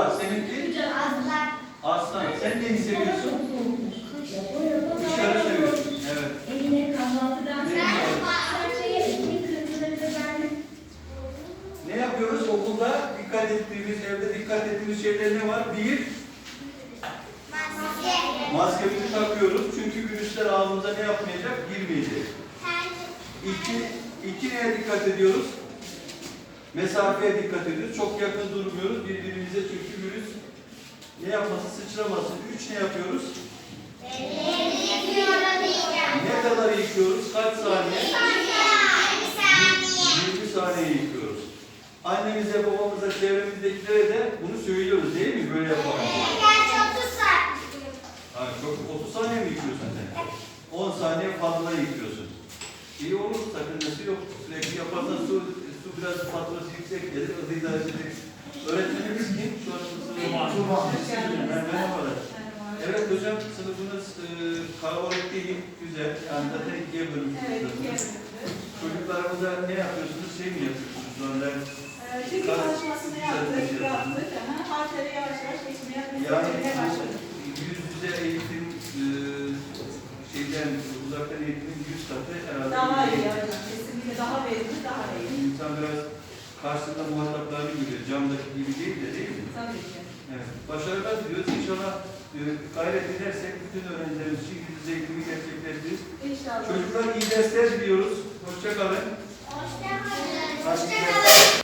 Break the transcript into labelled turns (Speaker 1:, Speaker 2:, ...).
Speaker 1: Kuşlar. Seninki?
Speaker 2: Aslan.
Speaker 1: Aslan. Sen neyi seviyorsun? Kuşları seviyorsun. Evet.
Speaker 3: Eline kahvaltıdan
Speaker 1: Ne yapıyoruz? Okulda dikkat ettiğimiz, evde dikkat ettiğimiz şeyler ne var? Bir, maskemizi takıyoruz. Çünkü virüsler ağzımıza ne yapmayacak? Girmeyecek. İki neye dikkat ediyoruz? Mesafeye dikkat ediyoruz. Çok yakın durmuyoruz birbirimize çünkü virüs ne yapmasın? Sıçramasın. Üç ne yapıyoruz? Ne kadar yıkıyoruz? Kaç saniye? 20 saniye yıkıyoruz. Annemize, babamıza, çevremizdekilere de bunu söylüyoruz değil mi? Böyle yapalım. Ha, çok 30 saniye mi yıkıyorsun sen? 10 saniye fazla yıkıyorsun. İyi olur, sakıncası yok. Sürekli yaparsan su biraz faturası yüksek gelir, hızlı idare edecek. Öğretmenimiz kim? Şu an sınıfımız. Merhabalar. Evet hocam, sınıfınız kalabalık değil, güzel. Yani zaten ikiye bölünmüşsünüz.
Speaker 4: Evet, ikiye bölündü.
Speaker 1: Çocuklarımıza ne yapıyorsunuz? Şey mi yapıyorsunuz? Onlar
Speaker 4: Çünkü çalışmasını yaptık. Harfleri yavaş yavaş geçmeye başladık.
Speaker 1: Yüz yüze eğitim şeyden, uzaktan eğitimin 100 katı herhalde.
Speaker 4: Daha iyi hocam. Kesinlikle daha verimli, daha iyi.
Speaker 1: İnsan biraz karşısında muhataplarını görüyor. Camdaki gibi değil mi?
Speaker 4: Tabii ki.
Speaker 1: Evet. Başarılar diliyoruz. İnşallah gayret edersek bütün öğrencilerimiz için yüz yüze eğitimi gerçekleştiririz.
Speaker 4: İnşallah.
Speaker 1: Çocuklar iyi dersler diliyoruz. Hoşça kalın.
Speaker 2: Hoşça kalın.